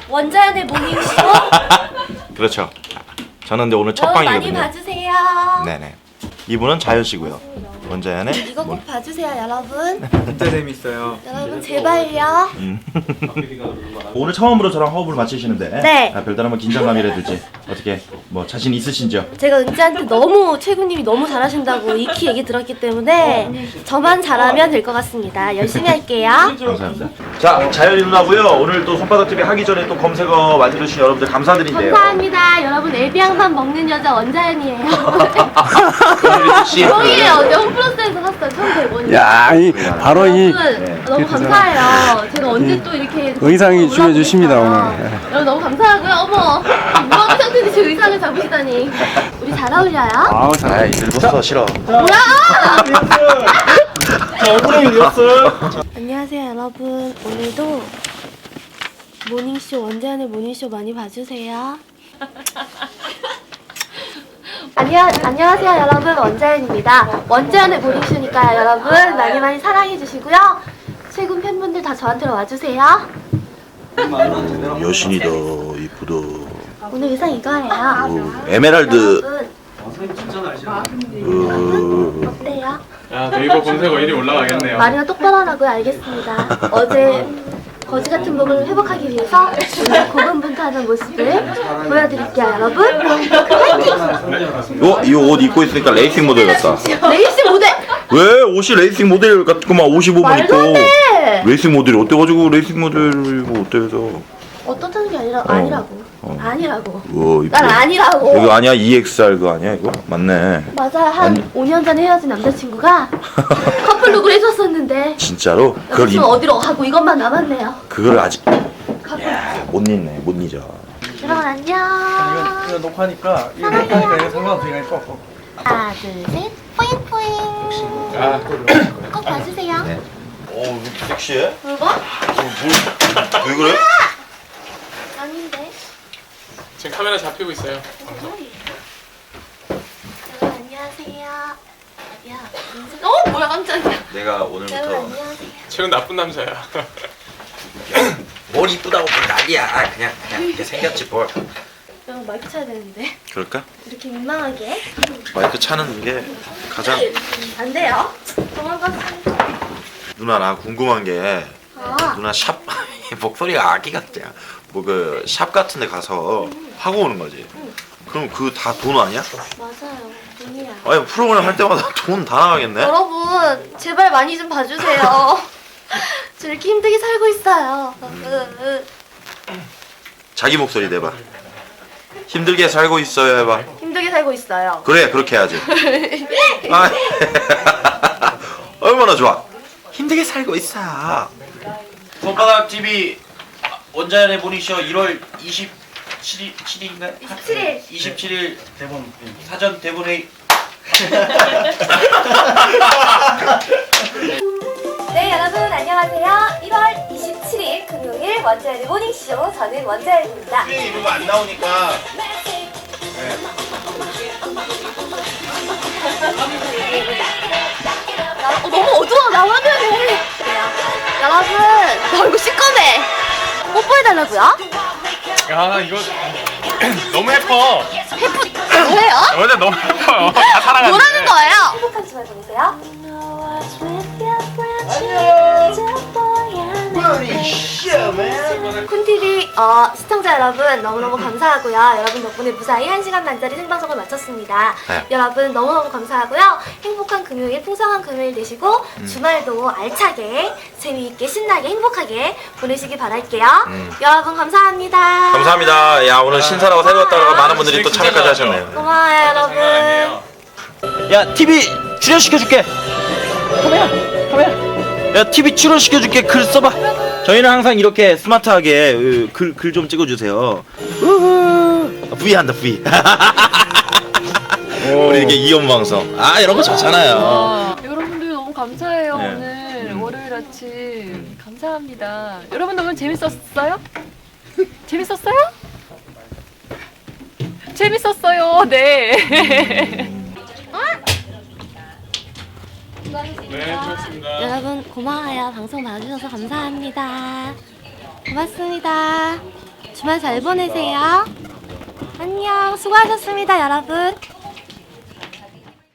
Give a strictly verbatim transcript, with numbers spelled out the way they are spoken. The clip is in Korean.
원자연의 모닝쇼. 그렇죠. 저는 근데 오늘 첫 여러분 방이거든요. 많이 봐주세요. 네네. 이분은 자연 씨고요. 원자연의 이거 꼭 봐주세요, 여러분. 진짜 재밌어요. 여러분 제발요. 음. 오늘 처음으로 저랑 호흡을 맞추시는데 네. 아, 별다른 뭐 긴장감이라든지 어떻게 뭐 자신 있으신지요? 제가 은지한테 너무 최군님이 너무 잘하신다고 익히 얘기 들었기 때문에 저만 잘하면 될 것 같습니다. 열심히 할게요. 감사합니다. 자, 자연이 누나고요. 오늘 또 손바닥티비 하기 전에 또 검색어 만들어주신 여러분들 감사드린대요. 감사합니다. 여러분 에비앙만 먹는 여자 원자연이에요. 씨. 형이에요. 어제 홈플러스에서 샀어요. 천백 원이요. 야, 이 바로 이 여러분 너무 감사해요. 제가 언제 또 이렇게 의상이 올라오고 중요해 주십니다, 있어요. 오늘. 여러분 너무 감사하고요. 어머, 무한 상태인데 제 의상을 잡으시다니. 우리 잘 어울려요? 아우, 잘. 아이, 늙었어 싫어. 뭐야? 자, 오프닝 이었어. 안녕하세요, 여러분. 오늘도 모닝쇼 원자연의 모닝쇼 많이 봐주세요. 안녕, 안녕하세요 여러분, 원자연입니다. 원자연의 모닝쇼니까요 여러분 많이 많이 사랑해주시고요. 최군 팬분들 다 저한테로 와주세요. 여신이다 이쁘다. 오늘 의상 이거예요. 오, 에메랄드. 여러분 어, 어때요? 야, 네이버 검색어 일 위 올라가겠네요. 말이나 똑바로 하라고요. 알겠습니다. 어제 거지 같은 몸을 회복하기 위해서 오늘 고군분투하는 모습을 보여드릴게요 여러분. 화이팅! 요, 이 옷 입고 있으니까 레이싱 모델 같다. 레이스 모델! 왜 옷이 레이싱 모델 같구만. 오십오 분 말도 안 입고 돼! 레이싱 모델이 어때가지고 레이싱 모델이고 어때서? 어떻다는 게 아니라, 아니라고. 어. 아니라고. 우와 이쁘. 난 아니라고. 이거 아니야? 이엑스알 그 아니야 이거? 맞네. 맞아요. 한 아니. 오 년 전에 헤어진 남자친구가 커플룩을 해줬었는데 진짜로? 그걸 입, 지금 어디로 가고 이것만 남았네요. 그걸 아직 커플. 야, 못 잊네 못 잊어. 여러분 안녕. 이거 녹화니까 이거 사랑해요. 녹화니까 이거 상관없으니까 또. 하나 둘셋 뿌잉뿌잉. 아, 꼭 봐주세요. 네. 오 이렇게 섹시해? 뭐고? 왜 그래? 아닌데. 지금 카메라 잡히고 있어요. 여러분 안녕하세요. 야, 인사. 어 뭐야 깜짝이야. 내가 여러분 오늘부터 안녕하세요. 최근 나쁜 남자야. 뭘 이쁘다고 뭘 난리야. 그냥 그냥 이렇게 생겼지 뭘. 여러분 마이크 쳐야 되는데 그럴까? 이렇게 민망하게 마이크 차는 게 가장. 안 돼요. 도망가세요. 누나 나 궁금한 게 아. 누나 샵 목소리가 아기 같아. 뭐 그 샵 같은 데 가서 하고 오는 거지. 그럼 그 다 돈 아니야? 맞아요. 돈이야. 아니 프로그램 할 때마다 돈 다 나가겠네? 여러분 제발 많이 좀 봐주세요. 저 이렇게 힘들게 살고 있어요. 으, 으. 자기 목소리 내봐. 힘들게 살고 있어요 해봐. 힘들게 살고 있어요. 그래 그렇게 해야지. 아, 얼마나 좋아. 힘들게 살고 있어. 손바닥 티비 원자연의 모닝쇼 일월 이십칠일인가? 이십칠일. 이십칠일 대본 사전 대본 회의. 네 여러분 안녕하세요. 일월 이십칠일 금요일 원자연의 모닝쇼 저는 원자연입니다. 네, 이러면 안 나오니까. 어, 너무 어두워 나 화면에. 여러분 나 얼굴 시꺼매. 뽀뽀해달라고요? 야, 이거 너무 예뻐. 해프 뭐예요? 여자 너무 예뻐요. 다 사랑하는데. 뭐라는 거예요? 행복한 주말 보내세요. 쿤티비 어, 시청자 여러분 너무너무 감사하고요. 여러분 덕분에 무사히 한 시간 반짜리 생방송을 마쳤습니다. 네. 여러분 너무너무 감사하고요. 행복한 금요일, 풍성한 금요일 되시고 음. 주말도 알차게, 재미있게, 신나게, 행복하게 보내시기 바랄게요. 음. 여러분 감사합니다. 감사합니다. 야 오늘 신사라고 새로 왔다가 많은 분들이 또 참여까지 하셨네요. 고마워요 여러분. 장난 아니에요. 야 티비 출연시켜줄게. 카메라 카메라. 야 티비 출연시켜줄게. 글 써봐. 저희는 항상 이렇게 스마트하게 글 글 좀 찍어주세요. 우후. V 한다 V. 우리 이렇게 이연 방송. 아 이런 거 좋잖아요. 와, 여러분들 너무 감사해요. 네. 오늘 음. 월요일 아침 감사합니다. 여러분들 오늘 재밌었어요? 재밌었어요? 재밌었어요. 네. 네, 좋습니다. 여러분 고마워요. 방송 봐주셔서 감사합니다. 고맙습니다. 주말 잘 보내세요. 안녕. 수고하셨습니다, 여러분.